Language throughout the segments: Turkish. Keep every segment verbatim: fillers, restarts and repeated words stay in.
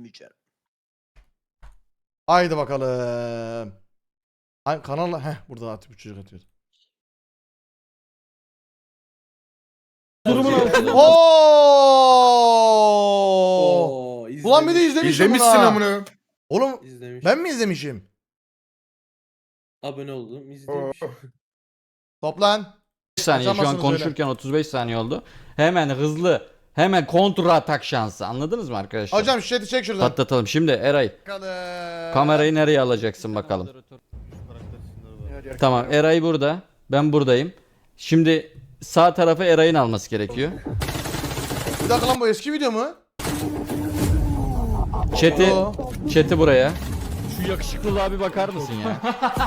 izlemeyeceğim. Haydi bakalım. Ay, kanal heh burada artık bu çocuk atıyor. Durumun altında. Oo! Oo, Ulan bir de izlemişim İzlemişsin bunu ha. amına. Oğlum İzlemiş. ben mi izlemişim? Abone oldum, izlemiş. Toplan. beş saniye şu an Açamazsınız konuşurken otuz beş saniye oldu. Hemen hızlı, hemen kontra atak şansı. Anladınız mı arkadaşlar? Hocam şu chat'i çek şuradan. Patlatalım. Şimdi Eray, Bakalım. kamerayı nereye alacaksın bakalım. Tamam, Eray burada. Ben buradayım. Şimdi sağ tarafı Eray'ın alması gerekiyor. Bir dakika lan bu eski video mu? Chat'i, Oo. chat'i buraya. Şu yakışıklılığa bir bakar mısın ya?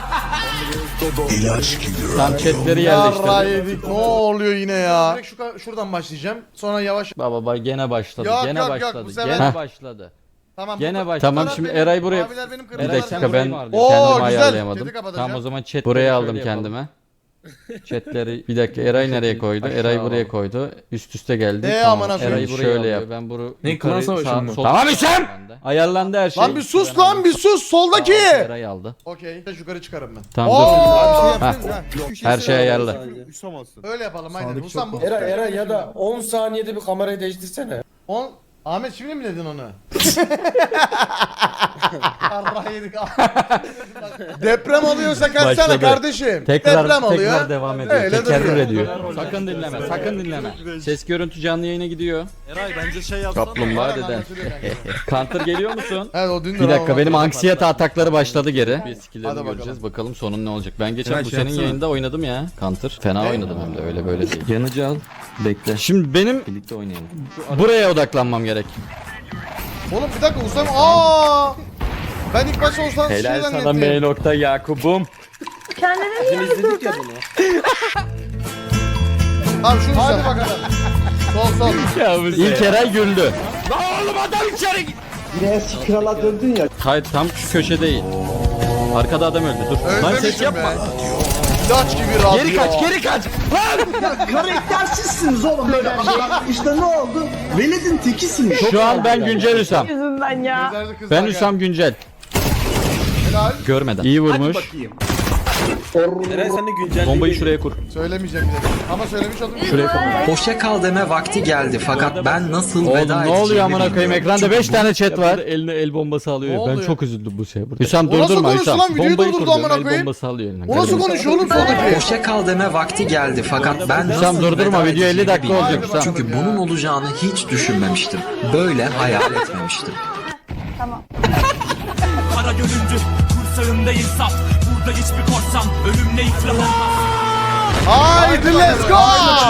Tam chatleri yerleştirdim. Yarraydık. Ne oluyor yine ya? Direkt şu, şuradan başlayacağım. Sonra yavaş. Baba bak gene başladı. Yok, gene yok, yok, başladı. bu sefer- Gene başladı. Tamam. Gene bu- başladı. bu Tamam taraf şimdi benim, Eray buraya. maviler benim, Bir kırmızılar dakika senin. ben Oo, kendimi güzel. ayarlayamadım. Chat'i kapatacağım. Tamam o zaman chat buraya aldım kendime. Chatleri bir dakika Eray nereye koydu? Eray buraya koydu. Üst üste geldi. Ee, Tamam, amına Eray'ı koyayım. şöyle yap. Ben bunu Ne, yukarı, klan savaşı sağ- mı? sol- Tamam İsem! Ayarlandı her şey. Lan bir sus Ben lan aldım. bir sus soldaki. Tamam, Eray aldı. Okey. Yukarı çıkarım ben. Tamam Oo! dur. Ha. Her şey ayarlı. Öyle yapalım aynen. Husam bu. Era Era ya da on saniyede bir kamerayı değiştirsene. On... Ahmet şimdi mi dedin onu? Yarrağı yedik. Deprem oluyorsa kaçsana Başladı. kardeşim. Tekrar Deprem oluyor. tekrar devam ediyor. Öyle Tekerrür duruyor. ediyor. Sakın dinleme, sakın dinleme. Ses görüntü canlı yayına gidiyor. Eray bence şey yapsana. Kaplumbağa deden. Counter geliyor musun? Evet o dün Bir dakika benim anksiyete atakları başladı geri. Bir Hadi skill'lerini bakalım. göreceğiz. Bakalım sonun ne olacak. Ben geçen Eray, bu şey senin yapsana. yayında oynadım ya. Counter. Fena Ne? oynadım hem de öyle böyle değil. Yanıcı al. Bekle. Şimdi benim Birlikte oynayalım. buraya odaklanmam gerek. Oğlum bir dakika Husam. Aa! Ben ilk başta Husam şey Helal sana zannettim. M nokta Yakub'um. Bizim izledik ya bunu. Tamam şunu Hadi bakalım. Sol sol. İlk Eray güldü. Yine krala döndün ya. Hayır tam şu köşe değil. Arkada adam öldü. Dur. Lan ses Özlemişim yapma. be. İlaç gibi radyo. Geri kaç, geri kaç. Karaktersizsiniz oğlum böyle. İşte ne oldu? Veled'in tekisiniz. Şu an ben güncel Hüsam. Yüzünden ya. Gözlerde kızlar Ben gel. Hüsam güncel. Helal. Görmeden. İyi vurmuş. Eray sen de güncelleyi Bombayı şuraya kur. Söylemeyeceğim bir dakika. Ama söylemiş oldum. Şuraya kur. Hoşça kal deme vakti geldi fakat ben nasıl Oğlum veda ne edeceğimi oluyor amına koyayım bilmiyorum. ekranda beş tane chat var. Eline el bombası alıyor. Ne Ben oluyor? çok üzüldüm bu şeye burada. Hüsam O nasıl durdurma konuştu Hüsam. lan? Videoyu Bombayı durdurdu kur diyorum, amına el koyayım. bombası alıyor eline. O nasıl konuşuyor oğlum soldaki? Hoşça kal deme vakti geldi fakat ben Hüsam nasıl durdurma, veda video elli edeceğimi dakika bilmiyorum. olacak Hüsam. Çünkü bunun olacağını hiç düşünmemiştim. Böyle hayal etmemiştim. Kara göründü. Kursağında insaf. Burada hiçbir korsan. Ölümle iflah olmaz. Haydi let's go.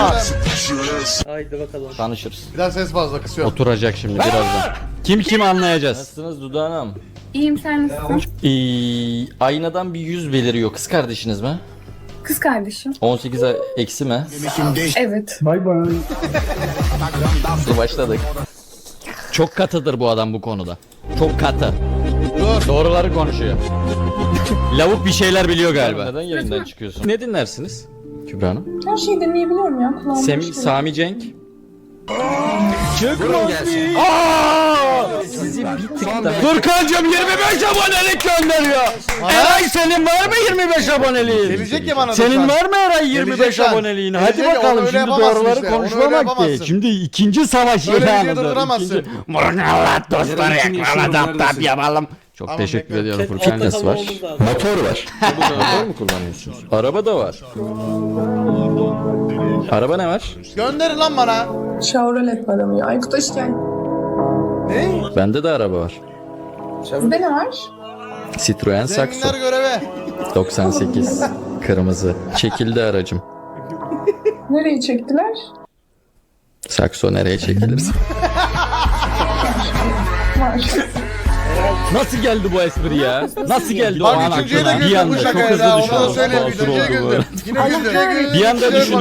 Haydi bakalım. Tanışırız. Bir daha ses fazla kısıyorum. Oturacak şimdi birazdan. Kim kim anlayacağız. Nasılsınız Duda Hanım? İyiyim, sen nasılsın? Ee, aynadan bir yüz beliriyor. Kız kardeşiniz mi? Kız kardeşim. on sekiz eksi mi? Evet. Bay bay. Dur başladık. Çok katıdır bu adam bu konuda. Çok katı. Dur. Doğruları konuşuyor. Lavuk bir şeyler biliyor galiba. Neden yayından çıkıyorsun? Ne dinlersiniz Kübra Hanım? Her şeyi deneyebiliyorum ya. Kulağım Sem hoş Sami Cenk. Sizi bir tık da... Furkancığım yirmi beş abonelik gönderiyor. Eray senin var mı yirmi beş aboneliğin? Gelecek ya bana da Senin şu an. var mı Eray yirmi beş Gelecek lan. aboneliğin? Hadi Gelecek ya, onu bakalım öyle şimdi yapamazsın doğruları işte, onu öyle konuşmamak yapamazsın. değil. Şimdi ikinci savaş Öyle video ilanıdır. durduramazsın. Allah dostlar Eray, için yakala yaşıyor, tap tap neredesin? yapalım. Çok Tamam, teşekkür bekle. ediyorum. Chat Furkan altta nasıl var? kalmamız lazım. Motor var. Motor mu kullanıyorsunuz? Araba da var. Araba ne var? Gönder lan bana. Chevrolet var ama ya. Aykut hoş geldin. Ne? Bende de araba var. Sizde ne var? Citroen Saxo. Zenginler göreve. doksan sekiz. Kırmızı. Çekildi aracım. Nereye çektiler? Saxo nereye çekilir? Var. Nasıl geldi bu espri ya? Nasıl geldi o Bak an üçüncüye de aklına? Bir güldüm bu anda çok şakaya hızlı da. Onu da düşünürüm. söyleyeyim. Basur Üçüncüye oldu bu. güldüm. Yine güldüm. Bir anda Şey yapalım, düşünürüm bekle. Eray. Güzel Hızlı de. düşünürüm. Oğlum onu zaten söylemiştin amına koyayım. Şey yapabilir.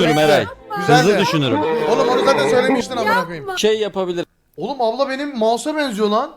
Oğlum abla benim mouse'a benziyor lan.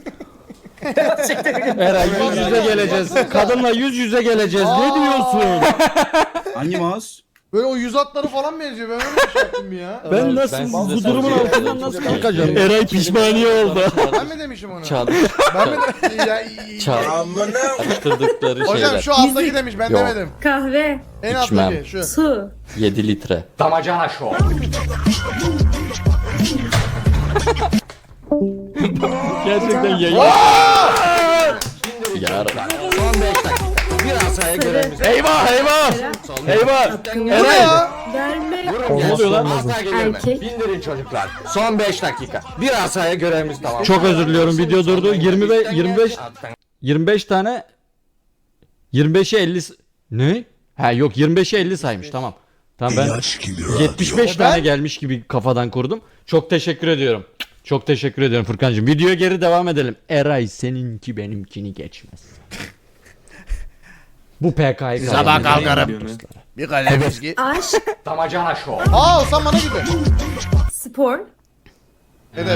Eray yüz yüze geleceğiz. Kadınla yüz yüze geleceğiz. Ne diyorsun? Hangi mouse? Böyle o yüz atları falan benziyor. Ben öyle bir şey yaptım bir ya. Ben nasıl bu durumun altından nasıl kalkacağım? Eray pişmaniye oldu. Ben mi demişim onu? Çal. Ben mi de... ya, iyi. Çal. Attırdıkları Hocam şeyler. şu alttaki demiş ben Yok. demedim. Kahve, En İçmem. alttaki şu. su. yedi litre. Damacana şov. Gerçekten yayın. Yarın. Son beş dakika. Bir asaya görevimiz. Eyvah eyvah. Eyvah. Bu ne Eray. ya? Verme. Ne oluyor lan? Erkek. Bindirin çocuklar. Son beş dakika. Bir asaya görevimiz tamam. Çok özür diliyorum. Video durdu. yirmi ve yirmi beş yirmi beş tane yirmi beşe elli s- ne? Ha yok yirmi beşe elli saymış. Tamam. Tamam ben yetmiş beş tane gelmiş gibi kafadan kurdum. Çok teşekkür ediyorum. Çok teşekkür ediyorum Furkancığım. Videoya geri devam edelim. Eray seninki benimkini geçmez. Bu P K'yı Sabah kalkarım. Bir kalem viski. Aşk, Damacana şov. Aa Oğuzhan bana gibi. spor. Hedef.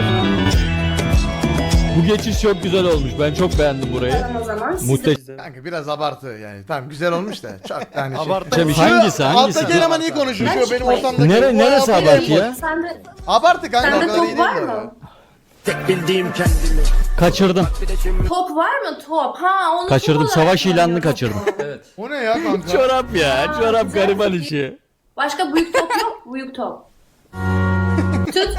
Bu geçiş çok güzel olmuş. Ben çok beğendim burayı. O zaman siz Muhteşem. Kanka biraz abartı yani. Tamam güzel olmuş da. Çok yani şey. Abartı. Hangisi hangisi? Alttaki eleman iyi konuşuyor. Şu benim ortamdaki. Nere, O neresi yapıyor, abartı yapıyor. ya? Sende, Abartı kanka o sende kadar iyi top değil var bu mı? arada. Kaçırdım. Top var mı top? Ha onu Kaçırdım. top olarak Savaş ilanını kullanıyorum. kaçırdım. O ne ya kanka? Çorap ya. Çorap gariban işi. Başka büyük top yok. Büyük top. Tut.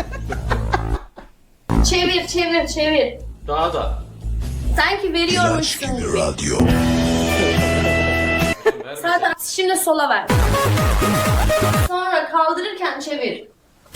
Çevir çevir çevir. Daha da. Sanki veriyormuşsun gibi. Zaten şimdi sola ver. Sonra kaldırırken çevir.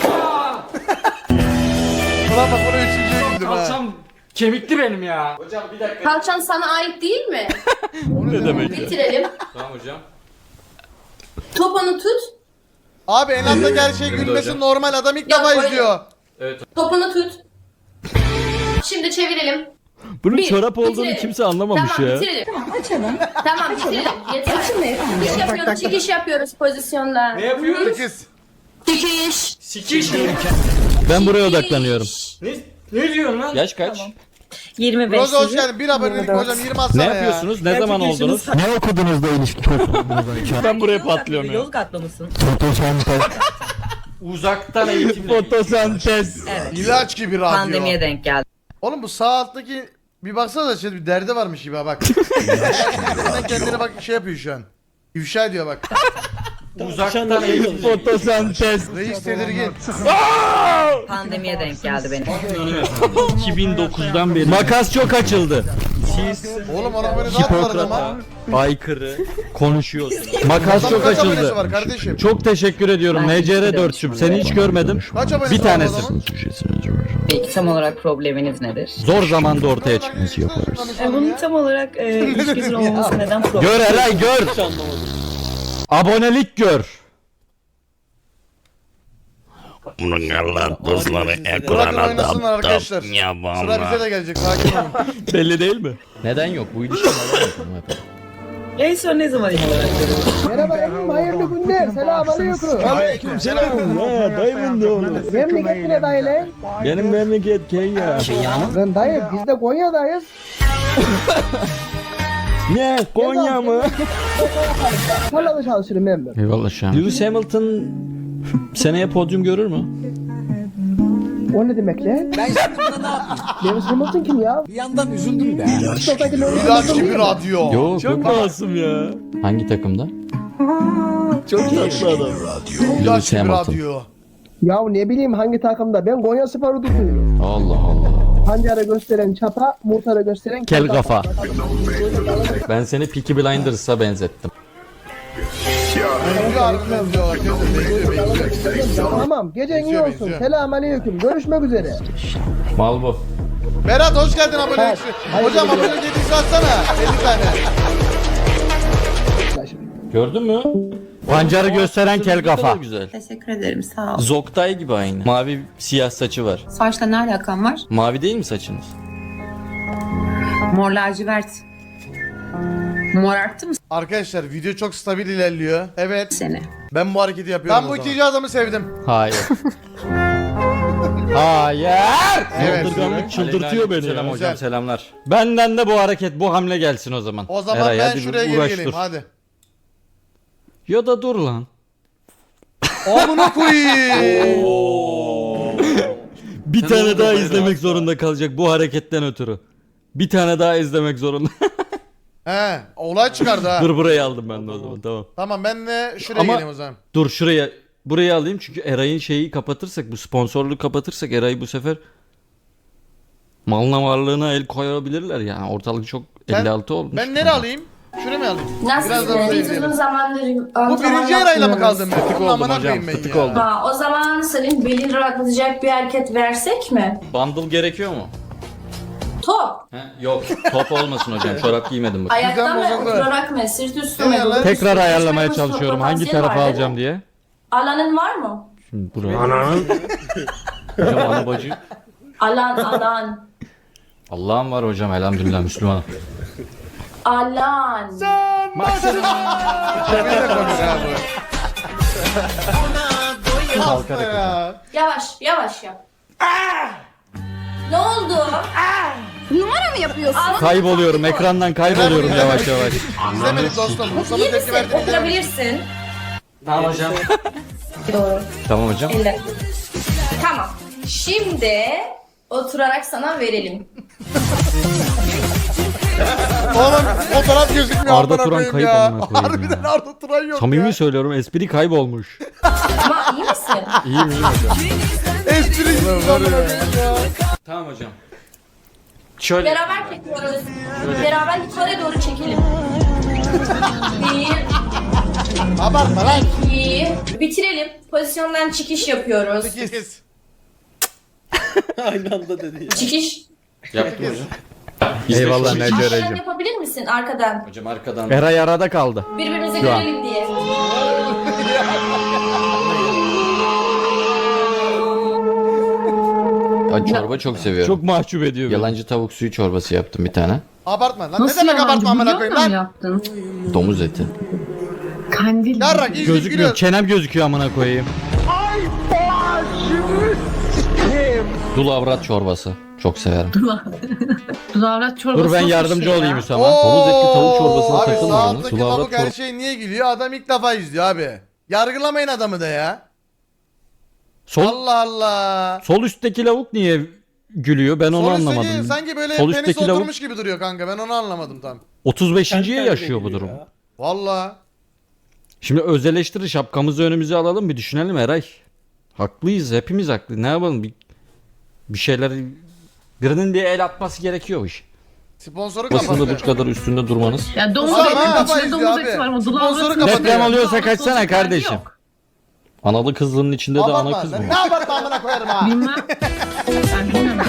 Ulan bak bunu üçüncüye güldüm ha. Kemikli benim ya. Kalçan sana ait değil mi? Ne demek ya? Bitirelim. Tamam hocam. Topunu tut. Abi en alttaki her şey gülmesi normal. Adam ilk defa öyle. izliyor. Topunu tut. Şimdi çevirelim. Bunun Bir, çorap olduğunu bitirelim. kimse anlamamış Tamam ya. bitirelim. Tamam açalım. Tamam bitirelim. Yeter. Çıkış yapıyoruz, çıkış yapıyoruz pozisyonda. Ne yapıyoruz? Sekiz. Çıkış. Sikiş. Ben buraya odaklanıyorum. Ne, ne diyorsun lan? Yaş kaç? yirmi beş. Roza hoş geldin. Bir abonelik hocam yirmi atsana Ne ya. yapıyorsunuz? Ne zaman oldunuz? Ne okudunuz da ilişki Ben buraya patlıyorum ya. Yozgatlı mısın? Uzaktan eğitim. Fotosentez. İlaç gibi radyo. Pandemiye denk geldi. Oğlum bu sağ alttaki bir baksana da şey bir derdi varmış gibi ha bak. Kendine kendine bak şey yapıyor şu an. İfşa ediyor bak. Uzaktan eğitim. Fotosentez. Reis tedirgin. Pandemiye denk geldi benim. iki bin dokuzdan beri. Makas çok açıldı. Oğlum ona böyle ne yaptılar ama? Aykırı. Konuşuyorsunuz. Makas çok Kaç abonesi açıldı. var kardeşim? Çok teşekkür ediyorum. Ben N C R teşekkür dörtçüm. Seni hiç görmedim. Kaç abonesi Bir var tanesi. adamın? Peki tam olarak probleminiz nedir? Zor zamanda ortaya çıkması yaparız. Bunun tam olarak e, ilişkisinin olmaması neden problem? Gör Eray gör. Abonelik gör. Bunun Allah dostları Bırakın ekrana oynasınlar arkadaşlar. dap ya Sıra bize de gelecek sakin olun. Belli değil mi? Neden yok? Bu ilişki neden yok? En son ne zaman ilk olarak görüyorsunuz? Merhaba efendim, hayırlı günler. Selamünaleyküm. Aleyküm selam. Ha, dayımın da oğlu. Memleket ne dayı lan? Benim memleket Kenya. Lan dayı biz de Konya'dayız. Ne? Konya mı? Tarlada çalışırım ben de. Eyvallah Şam. Lewis Hamilton seneye podyum görür mü? O ne demek lan? Ben yaptığımda ne yapayım? Lewis Hamilton kim ya? Bir yandan üzüldüm de. İlaç gibi radyo. Yok çok masum ya. Hangi takımda? Çok tatlı adam. İlaç gibi Hamilton. radyo. Ya ne bileyim hangi takımda? Ben Konya Spor'u tutuyorum. Allah Allah. Pancarı gösteren çapa, muhtarı gösteren Kel kafa. Ben seni Peaky Blinders'a benzettim. Benziyor harbiden benziyorlar. Benziyor benziyor. Tamam, gecen iyi Benziyor, olsun. benziyor. Selamünaleyküm. Görüşmek üzere. Mal bu. Berat hoş geldin abonelik. Hayır, Hocam hayır. abonelik yedisi atsana. elli tane. Gördün mü? Pancarı gösteren kel kafa. Güzel. Teşekkür ederim sağ ol. Zoktay gibi aynı. Mavi siyah saçı var. Saçla ne alakan var? Mavi değil mi saçınız? Mor lacivert. Mor arttı mı Arkadaşlar video çok stabil ilerliyor. Evet. seni? Ben bu hareketi yapıyorum. Ben bu ikinci adamı sevdim. Hayır. Hayır. Evet. Saldırganlık çıldırtıyor beni. Selam Güzel. hocam selamlar. Benden de bu hareket bu hamle gelsin o zaman. O zaman Eray, ben hadi şuraya bir geri uğraş geleyim dur. hadi. Ya da dur lan. Amına koyayım. Bir tane daha izlemek zorunda kalacak bu hareketten ötürü. Bir tane daha izlemek zorunda. He, olay çıkardı ha. Dur burayı aldım ben de o zaman tamam. Tamam ben de şuraya Ama- geleyim o zaman. Dur şuraya burayı alayım çünkü Eray'ın şeyi kapatırsak bu sponsorluğu kapatırsak Eray bu sefer malına varlığına el koyabilirler yani ortalık çok Ben- elli altı olmuş. Ben nereye alayım? Şuraya mı alayım? Nasıl? Biraz da orada Biz izleyelim. uzun zamandır Bu antrenman birinci arayla mı yapmıyoruz. kaldım ben? Fıtık Bunun oldum amına hocam, koyayım ben fıtık ya. oldum. Ha, o zaman senin belin rahatlatacak bir hareket versek mi? Bundle gerekiyor mu? Top. He, yok top olmasın hocam çorap giymedim bak. Ayakta mı? bozuldu. Oturarak mı? Sırt üstü Ne mü? ya lan? Göğüs Tekrar üstü, ayarlamaya göğüs çalışıyorum potansiyeli hangi tarafı var, değil mi? alacağım diye. Alanın var mı? Şimdi buraya. Hocam ana bacı. Alan, alan. Allah'ım var hocam elhamdülillah Müslüman. Alan. Cemil de konuş ha bu. Hasta ya. Yavaş, yavaş yap. Ne oldu? Numara mı yapıyorsun? Kayboluyorum ekrandan kayboluyorum yavaş yavaş. İzlemedik dostum. Mustafa İyi tepki misin? verdi. Oturabilirsin. Tamam hocam. Doğru. Tamam hocam. Elle. Tamam. Şimdi oturarak sana verelim. Oğlum fotoğraf gözükmüyor. Arda amına Turan koyayım kayıp ya. amına koyayım Harbiden ya. Arda Turan yok Samimi ya. söylüyorum espri kaybolmuş. Ama iyi misin? İyiyim iyiyim hocam. Espri var ya. Tamam hocam. Şöyle. Beraber çekiyoruz. Beraber yukarı doğru çekelim. Bir, Abartma lan. iki. Bitirelim. Pozisyondan çıkış yapıyoruz. Sekiz. Aynı anda dedi ya. Çıkış. Yaptım hocam. Eyvallah, İzle ne şu- Arkadan yapabilir misin? Arkadan. Hocam arkadan. Eray arada kaldı. Birbirimize Şu an. görelim diye. Ya, çorba çok seviyorum. Çok mahcup ediyor beni. Yalancı tavuk suyu çorbası yaptım bir tane. Abartma lan. Ne demek abartma amına koyayım lan? yaptın? Domuz eti. Kandil. Yarrak izleyip Gözükmüyor. gülüyor. Çenem gözüküyor amına koyayım. Dul avrat çorbası. Çok severim. Dudavrat çorbası. Dur ben nasıl bir yardımcı şey ya? olayım Hüsam. Domuz etli tavuk çorbasına Abi sağ takılmayın. alttaki Dul avrat lavuk her çorbası. şey niye gülüyor? Adam ilk defa izliyor abi. Yargılamayın adamı da ya. Sol, Allah Allah. sol üstteki lavuk niye gülüyor? Ben onu Sol üstteki anlamadım. sanki böyle Sol penis üstteki lavuk- oturmuş gibi duruyor kanka. Ben onu anlamadım tam. otuz beşinciye Kendi yaşıyor bu kendine durum. gülüyor ya. Valla. Şimdi öz eleştiri şapkamızı önümüze alalım bir düşünelim Eray. Haklıyız hepimiz haklı. Ne yapalım bir, bir şeyler birinin diye el atması gerekiyor bu iş. Sponsoru Basında bu kapattı. kadar üstünde durmanız. Ya domuz Ulan eti, ha, içinde kafayı domuz izliyor eti var ama abi. dudavrat Sponsoru yok. kapatıyor. Deprem oluyorsa Dudavrat kaçsana olacak hali kardeşim. yok. Analı kızlının içinde de ana Abartma kız lan. mı? Ne abartma amına koyarım ha. Bilmem. Ben bilmem.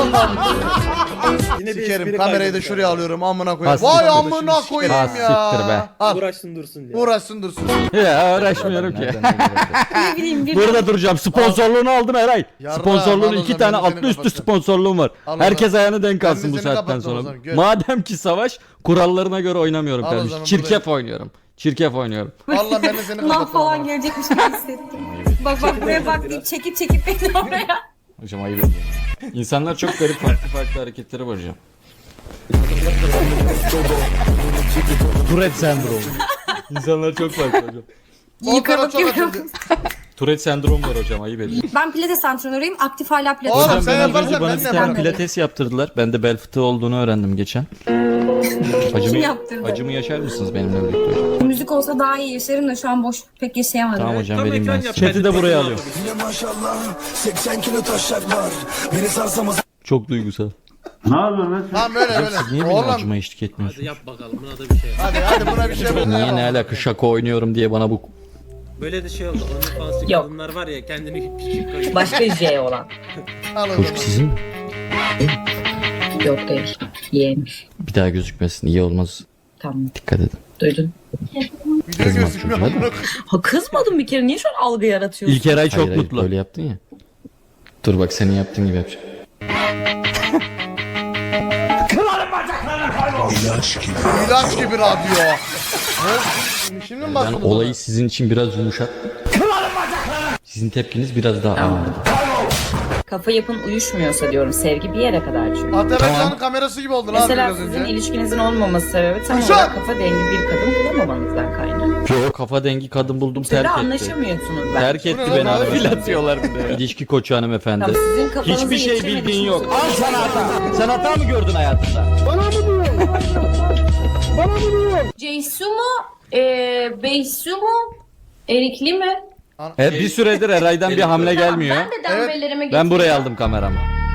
Yine bir Sikerim espri kamerayı da kaydetmiş şuraya abi. alıyorum amına koyarım. Ha, Vay siktir. amına koyayım Ha, ya. siktir be. Al. Uğraşsın dursun diye. Uğraşsın dursun. Ya uğraşmıyorum ki. Ne bileyim bir Burada duracağım. Sponsorluğunu aldım Eray. Yarrağım, Sponsorluğun al o iki zaman, tane ben de seni altlı üstü kapatacağım. sponsorluğum var. Al o Herkes zaman. ayağını denk Ben de alsın bu seni saatten kapattım o sonra. zaman, gör. Madem ki savaş kurallarına göre oynamıyorum Al o kardeşim. zaman, Çirkef oynuyorum. Çirkef oynuyorum. Valla ben de seni Sınav kapattım. falan ama. gelecekmiş gibi hissettim. Bak bak buraya bak deyip çekip çekip beni oraya. Hocam ayıp ediyorum. İnsanlar çok garip farklı farklı hareketleri var hocam. Tourette sendromu. İnsanlar çok farklı hocam. Fotoğraf çok açıldı. Tourette sendromu var hocam ayıp ediyorum. Ben pilates antrenörüyüm. Aktif hala pilates. Oğlum Hocam sen ben az yaparsan önce bana ben bir de tane yaparım. pilates yaptırdılar. Ben de bel fıtığı olduğunu öğrendim geçen. Acımı, yaptırdı? acımı yaşar mısınız benimle birlikte hocam? Müzik olsa daha iyi yaşarım da şu an boş pek yaşayamadım. Tamam hocam Tam vereyim ben ekran size. yap, Chat'i de ben de buraya sana alıyorum. yapayım. Çok duygusal. Tamam böyle Hocam böyle. siz niye benim Oğlum acıma eşlik etmiyorsunuz? Hadi yap bakalım buna da bir şey. hadi hadi buna bir şey bul. Niye ne alaka şaka oynuyorum diye bana bu... Böyle de şey oldu. OnlyFans'lı Yok. kadınlar var ya kendini küçük koyuyor. Başka J olan. Al o zaman. Çocuk sizin mi? Yok değil. Yeğenmiş. Bir daha gözükmesin iyi olmaz. Tamam. Dikkat edin. Duydun. Video Kızmaz gözükmüyor çocuğa. amına koyayım. Ha kızmadım bir kere. Niye şu an algı yaratıyorsun? İlker Ay çok Hayır, hayır, mutlu. böyle yaptın ya. Dur bak senin yaptığın gibi yapacağım. İlaç gibi radyo. Ha? Şimdi mi Ben başladın? olayı sizin için biraz yumuşat. Sizin tepkiniz biraz daha ağırdı. Kafa yapın uyuşmuyorsa diyorum. Sevgi bir yere kadar çünkü. Ataberka'nın kamerası gibi oldu lan Mesela biraz sizin önce. ilişkinizin olmaması sebebi tam Kuşat! olarak kafa dengi bir kadın bulamamanızdan kaynaklı. Yo kafa dengi kadın buldum Siz de terk etti. anlaşamıyorsunuz ben. Terk Bu etti ne beni lan? hanımefendi. Atıyorlar bir de. İlişki koçu hanımefendi. Tamam, sizin kafanızı Hiçbir şey yetiremediğiniz bildiğin yok. için- Al sana hata. Sen hata mı gördün hayatında? Ceysu mu? Ee, Beysu mu? Erikli mi? E, bir süredir Eray'dan bir hamle gelmiyor. Ben de dembelerime Ben getireceğim. buraya aldım kameramı.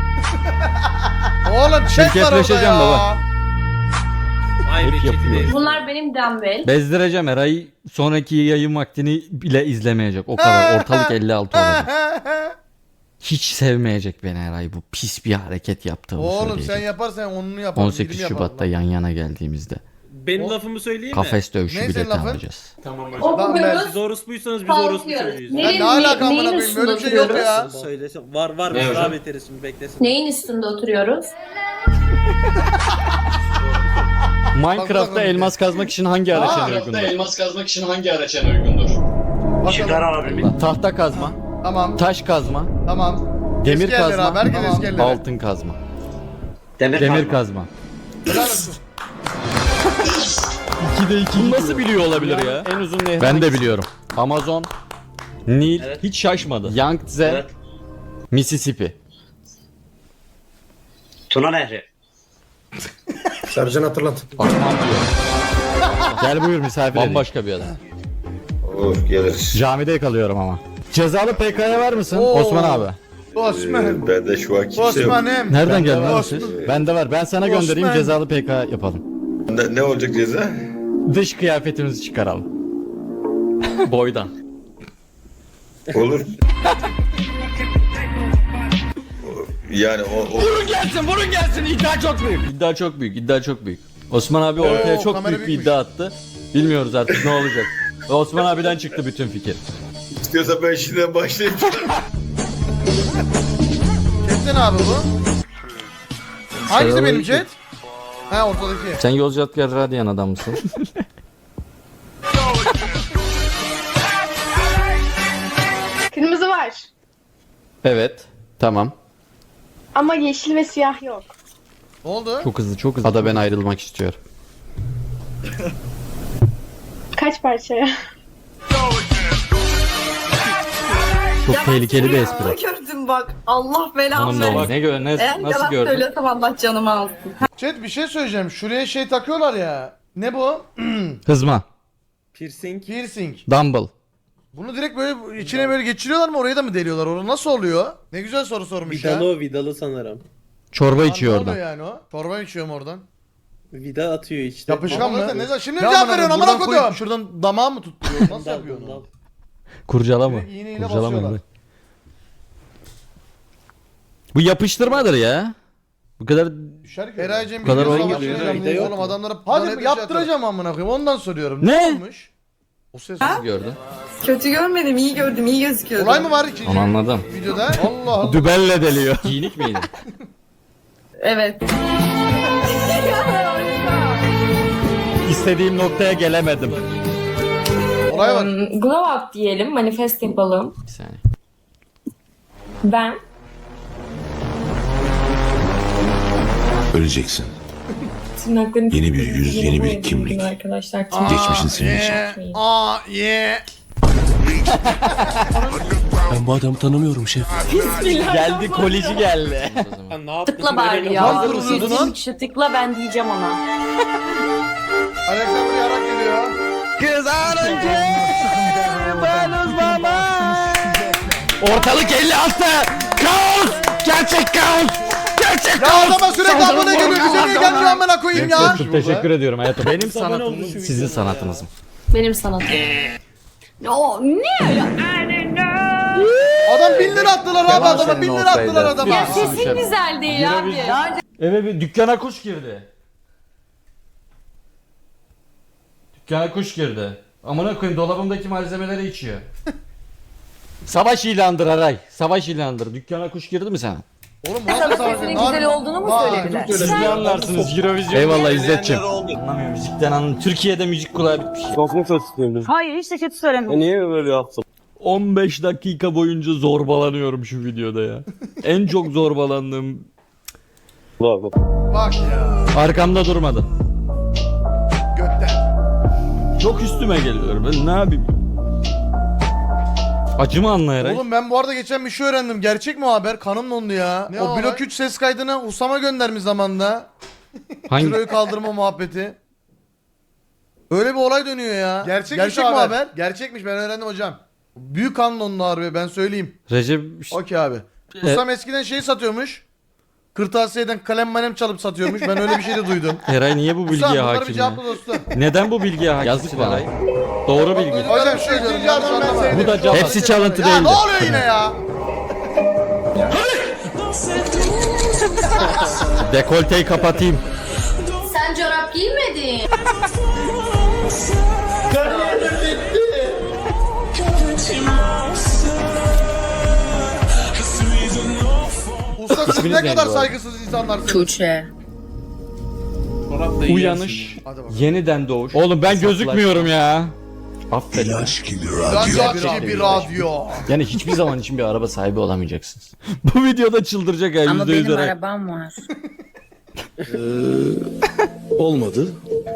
Oğlum chat var orada Şirketleşeceğim ya. baba. Vay be Hep yapıyor. Çetin. Bunlar benim dumbbell. Bezdireceğim Eray'ı sonraki yayın vaktini bile izlemeyecek. O kadar ortalık elli altı olacak. Hiç sevmeyecek beni Eray bu pis bir hareket yaptığımı Oğlum söyleyecek. sen yaparsan onunu yaparım. on sekiz birini Şubat'ta yaparım yan yana geldiğimizde Benim lafımı söyleyeyim mi? kafes dövüşü Ne bileti senin lafın? alacağız. Okuyoruz. Siz orospuysanız biz orospu Kalkıyoruz. söylüyoruz. lan. Ya Neyin, ne alaka ne, amına neyin koyayım üstünde böyle bir şey yok oturuyoruz? ya. Söylesem var var biz daha beteriz şimdi beklesin. Neyin üstünde oturuyoruz? Minecraft'ta bakalım. elmas kazmak için hangi araç en uygundur? elmas kazmak için hangi araç en uygundur? Bakalım. Tahta kazma, Tamam taş kazma, tamam. demir Eski yerlere kazma, abi, herkes eski yerlere. altın kazma. Demir, kazma. Helal olsun. ikide iki. Bunu nasıl biliyor olabilir ya? En uzun nehir. Ben de biliyorum. Amazon, Nil, hiç şaşmadı. Yangtze, Mississippi. Tuna Nehri. Sercan hatırlat. Akman diyor. Gel buyur misafir Bambaşka bir adam. Olur geliriz. Camide kalıyorum ama. Cezalı P K'ya var mısın? Oo. Osman abi. Osman. Ben de şu an kimse yok. Osman'ım. Nereden geldin var. abi siz? Bende var. Ben sana göndereyim Osman. cezalı P K yapalım. Ne, ne olacak ceza? Dış kıyafetimizi çıkaralım. Boydan. Olur. Yani o, o... Vurun gelsin, vurun gelsin. İddia çok büyük. İddia çok büyük, iddia çok büyük. Osman abi ortaya Oo, çok kamera büyük bir büyükmüş. iddia attı. Bilmiyoruz artık ne olacak. Ve Osman abiden çıktı bütün fikir. İstiyorsa ben şimdiden başlayayım. Chat'te ne abi bu? Hangisi benim chat? Ha ortadaki. Sen Yozgatgar Radyan adam mısın? Kırmızı var. Evet. Tamam. Ama yeşil ve siyah yok. Ne oldu? Çok hızlı, çok hızlı. Ada ben ayrılmak istiyorum. Kaç parçaya? Çok tehlikeli bir espri. Gördüm bak. Allah belanı Hanım da var. Ne gör, ne, nasıl gördün? söylüyorsam Allah canımı alsın. Chat bir şey söyleyeceğim. Şuraya şey takıyorlar ya. Ne bu? Hızma. Piercing. Piercing. Dumble. Bunu direkt böyle içine böyle geçiriyorlar mı? Orayı da mı deliyorlar? Orada nasıl oluyor? Ne güzel soru sormuş ya. Vidalı o vidalı sanırım. Çorba Lan içiyor ne orada. oluyor yani o? Çorba içiyorum oradan. Vida atıyor işte. Yapışkan mı? Ne, ne, şimdi mi Ne cevap amına veriyorsun koyayım? amına Buradan koyayım? koyup Şuradan damağı mı tutturuyor? Nasıl Dal, yapıyor dal. onu? Kurcala mı? Direkt iğneyle Kurcala mı? basıyorlar. Bu yapıştırmadır ya. Bu kadar Eraycem Bu kadar bir oyun savaş geliyor, veriyorum. Vida yok Oğlum mu? adamlara Hadi Hadi yaptıracağım yaptıracağım amına koyayım. Ondan soruyorum. Ne? olmuş? O ses. gördün. Kötü görmedim, iyi gördüm, iyi gözüküyordu. Olay mı var ikinci Onu anladım. videoda? Allah Allah. Dübelle deliyor. Giyinik miydi? Evet. İstediğim noktaya gelemedim. Olay var. Um, glow up diyelim, manifest yapalım. Bir saniye. Ben Öleceksin. tırnaklarım Yeni bir yüz, yeni bir kimlik. arkadaşlar. Geçmişin silinecek. Yeah. Aa yeah. Ben bu adamı tanımıyorum şef. Geldi kolici geldi. Ha, ne yaptın? Tıkla bari ya. Nasıl vuruldu lan? yüz kişi tıkla ben diyeceğim ona. Alexander yarak geliyor. Kız arınca ben uzmama. Ortalık elli altı. Kaos. Gerçek kaos. Gerçek Ya kaos. adama sürekli abone geliyor. Bize niye gelmiyor amına koyayım ya? Çok teşekkür ediyorum hayatım. Benim Abone oldu sanatım şu sizin videoya sanatınız mı? benim sanatım. O ne? Adam bin lira attılar abi adama bin lira attılar adama. Ya sesin güzel değil abi. Eve bir dükkana kuş girdi. Dükkana kuş girdi. Amına koyayım dolabımdaki malzemeleri içiyor. Savaş ilandır Aray. Savaş ilandır. Dükkana kuş girdi mi sana? Oğlum bu nasıl savaş? Sesinin güzel olduğunu mu söylediler? Siz ne anlarsınız Eurovision? Eyvallah İzzetciğim. Anlamıyorum müzikten anlamıyorum. Türkiye'de müzik kulağı bitmiş. Çok mu kötü söyledim? Hayır hiç de kötü söylemedim. Niye böyle yaptın? on beş dakika boyunca zorbalanıyorum şu videoda ya. En çok zorbalandığım Bak ya. arkamda durmadı. Götten. Çok üstüme geliyor. Ben ne yapayım? Acımı anlayarak. Oğlum ben bu arada geçen bir şey öğrendim. Gerçek mi o haber? Kanım dondu ya. Ne o o blok olay? üç ses kaydını Usama göndermiş zamanında. Hangi? Kiloyu kaldırma muhabbeti. Öyle bir olay dönüyor ya. Gerçekmiş Gerçek o mi haber. haber? Gerçekmiş, ben öğrendim hocam. Büyük kan dondu harbi, ben söyleyeyim. Recep Okey abi. E- Usam eskiden şey satıyormuş. Kırtasiyeden kalem malem çalıp satıyormuş. Ben öyle bir şey de duydum. Eray niye bu Usam bilgiye bunları bir hakim ya? cevapla dostum. Neden bu bilgiye hakim? Yazık bana. Doğru bilgi. Hocam şu üçüncü adam ben sevdim. Bu da cevap. Hepsi çalıntı Ya değildi. ne oluyor yine ya? Dekolteyi kapatayım. Sen çorap giymedin. Usta siz İsminiz ne neydi kadar bu arada? saygısız insanlarsınız. Tuğçe. Uyanış, yeniden doğuş. Oğlum ben gözükmüyorum ya. Affedin. İlaç gibi Radyo gibi radyo. Yani hiçbir zaman için bir araba sahibi olamayacaksınız. Bu videoda çıldıracak ya Ama yüzde yüz benim Eray. arabam var. Olmadı.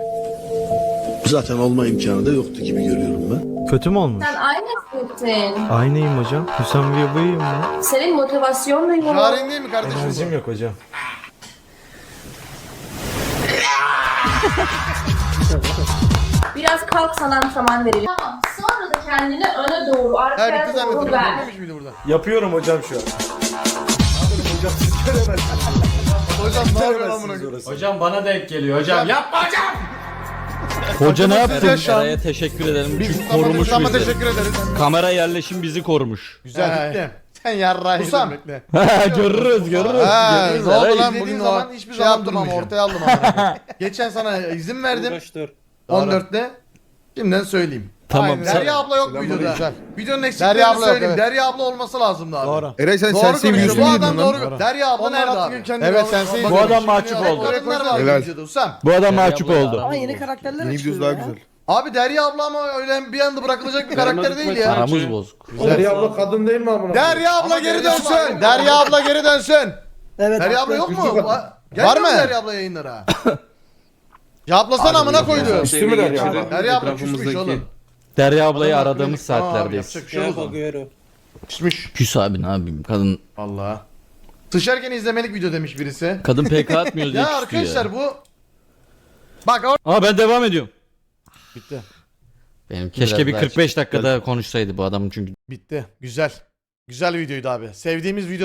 Zaten olma imkanı da yoktu gibi görüyorum ben. Kötü mü olmuş? Sen aynısın. Aynıyım hocam. Hüsam Bey'im ben. Senin motivasyonun yok. Jarin değil mi kardeşim Enerjim bu? yok hocam. Biraz kalk sana antrenman verelim. Tamam. Sonra da kendini öne doğru, Ha arkaya bitti doğru zannettim. ver. Bitmemiş miydi burada? Yapıyorum hocam şu an. Hocam ne yapıyorsun amına koyayım? Hocam bana denk geliyor hocam. Yapma hocam. Hoca ne Hocam yaptın? size şu an- Eray'a teşekkür ederim. Biz Çünkü korumuş Usama bizi. teşekkür ederiz. Kamera yerleşim bizi korumuş. Güzel bitti. Sen yarrağı Usam. bekle. görürüz görürüz. Ha, görürüz. ne oldu Eray, lan izlediğin bugün zaman o hiçbir şey zaman yaptım ama durmayacağım. ortaya aldım ama. Geçen sana izin verdim Uğraş dur. on dörtte. Şimdiden söyleyeyim. Tamam. Aynen. Derya abla yok videoda. Güzel. Videonun eksiklerini Derya abla yok, söyleyeyim. evet. Derya abla olması lazımdı abi. Doğru. Eray sen Doğru konuşuyor. Bu adam doğru. Derya abla nerede abi? Evet, sensin. Bu adam mahcup Hep oldu. kadınlar var Helal. videoda Usam. Bu adam mahcup abla oldu. Ama yeni karakterler Yeni açılıyor videosu daha ya. güzel. Abi Derya abla ama öyle bir anda bırakılacak bir karakter değil ya. Aramız bozuk. Derya abla kadın değil mi amına? Derya abla geri dönsün. Derya abla geri dönsün. Evet. Derya abla yok mu? Üstü Va- kadın. Var mı? Derya abla yayınlara? Cevaplasana amına koydu. Üstü mü Derya abla? Derya abla küsmüş oğlum. Derya ablayı Adam aradığımız haklı. Tamam abi, saatlerdeyiz. yapacak bir şey yok o zaman. Agüero. Küsmüş. Küs abi ne yapayım kadın. Vallahi. Sıçarken izlemelik video demiş birisi. Kadın P K atmıyor diye Ya küstü ya. arkadaşlar bu... Bak or- Aa ben devam ediyorum. Bitti. Benim keşke bir kırk beş dakika daha konuşsaydı bu adam çünkü. Bitti. Güzel. Güzel videoydu abi. Sevdiğimiz video